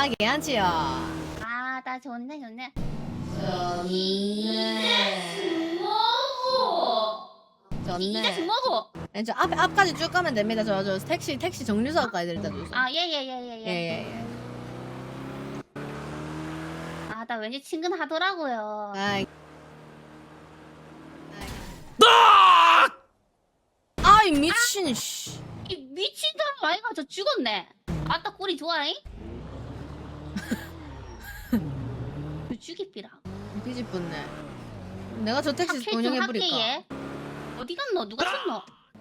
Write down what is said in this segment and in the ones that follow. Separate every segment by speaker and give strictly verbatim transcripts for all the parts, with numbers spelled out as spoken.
Speaker 1: 아, 괜찮지요.
Speaker 2: 아, 나 좋네, 좋네.
Speaker 1: 좋네.
Speaker 2: 이제
Speaker 1: 좋네.
Speaker 2: 먹어.
Speaker 1: 네, 저 앞에 앞까지 쭉 가면 됩니다. 저 저 택시 택시 정류소까지 일단 주소.
Speaker 2: 아, 예, 예, 예, 예, 예.
Speaker 1: 예예예.
Speaker 2: 아, 나 왠지 친근하더라고요.
Speaker 1: 아이. 아이 미친 씨.
Speaker 2: 이 미친 사람 아이가 저 죽었네. 아따 꼴이 좋아잉? 그 죽이삐라.
Speaker 1: 뒤집었네. 내가 저 택시
Speaker 2: 탑
Speaker 1: 운영해
Speaker 2: 할게
Speaker 1: 버릴까?
Speaker 2: 얘. 어디 갔노? 누가 쳤노?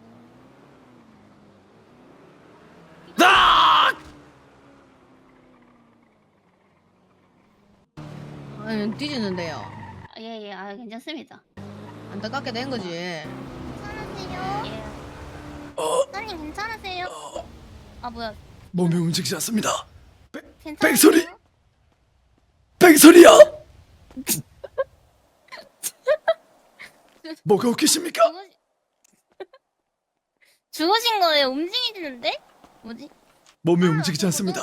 Speaker 1: 아니 뒤지는데요.
Speaker 2: 아, 예, 예, 아 괜찮습니다.
Speaker 1: 안타깝게 된 거지.
Speaker 3: 괜찮으세요?
Speaker 2: 예.
Speaker 3: 사장님 괜찮으세요? 아 뭐야?
Speaker 4: 몸이 움직이지 않습니다.
Speaker 3: 괜찮으세요?
Speaker 4: 뺑소니! 뺑소니야! 뭐가 웃기십니까?
Speaker 3: 죽으시... 죽으신 거예요? 움직이시는데? 뭐지?
Speaker 4: 몸이
Speaker 3: 아,
Speaker 4: 움직이지 않습니다.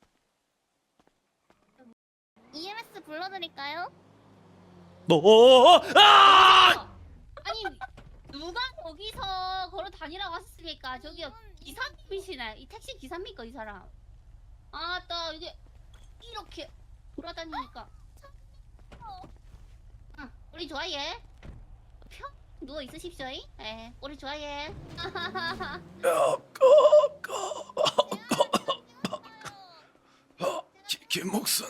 Speaker 3: 이엠에스 불러드릴까요?
Speaker 4: 너 아!
Speaker 2: 아니 누가 거기서 걸어 다니라고 하셨습니까? 저기요 기사님이시네. 이 택시 기사입니까 이 사람? 아따 이게 이렇게 돌아다니니까. 응, 우리 좋아해. 평 누워 있으십시오. 예, 우리 좋아해.
Speaker 4: 김목순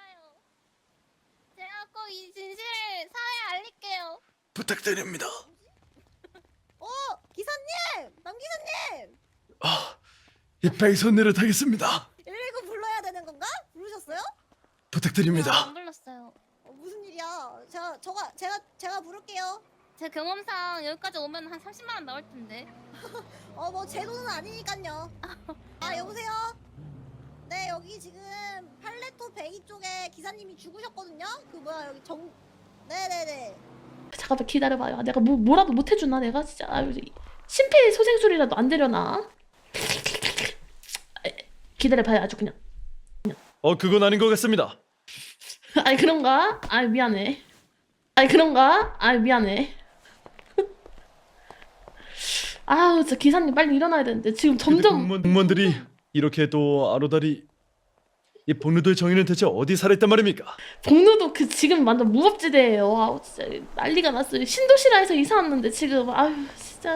Speaker 3: 제가 꼭 이 진실을 사회에 알릴게요.
Speaker 4: 부탁드립니다.
Speaker 3: 어! 기사님! 남기사님!
Speaker 4: 아, 이 뺑소니를 타겠습니다.
Speaker 3: 일일구 불러야 되는 건가? 부르셨어요?
Speaker 4: 부탁드립니다.
Speaker 3: 안 불렀어요. 어, 무슨 일이야? 제가 저가 제가 제가 부를게요. 제 경험상 여기까지 오면 한 삼십만 원 나올 텐데. 어 뭐 제 돈은 아니니까요. 아 여보세요. 네 여기 지금 팔레토 베이 쪽에 기사님이 죽으셨거든요. 그 뭐야 여기 정. 네네네.
Speaker 5: 잠깐만 기다려봐요. 내가 뭐, 뭐라도 못 해주나 내가 진짜 아유, 심폐소생술이라도 안 되려나? 기다려봐요 아주 그냥.
Speaker 4: 어, 그건 아닌 것 같습니다.
Speaker 5: 아니 그런가? 아이 미안해. 아니 그런가? 아이 미안해. 아우 진짜 기사님 빨리 일어나야 되는데 지금 점점
Speaker 4: 공무원, 공무원들이 이렇게 또 아로다리 이 복루도의 정의는 대체 어디 살아있단 말입니까?
Speaker 5: 복로도 그 지금 완전 무법지대예요. 아우 진짜 난리가 났어요. 신도시라에서 이사 왔는데 지금 아유 진짜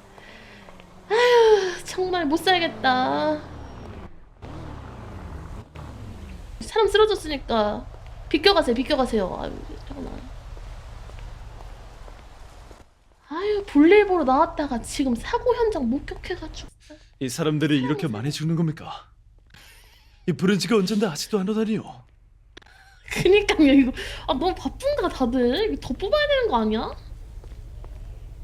Speaker 5: 아유 정말 못 살겠다. 사람 쓰러졌으니까 비껴가세요 비껴가세요. 아유 잠깐만. 아유 볼일 보러 나왔다가 지금 사고 현장 목격해가지고
Speaker 4: 이 사람들이 이렇게 많이 죽는 겁니까? 이 부른 지가 언젠데 아직도 안 오다니요.
Speaker 5: 그니까요 이거 아 너무 바쁜가 다들 이거 더 뽑아야 되는 거 아니야?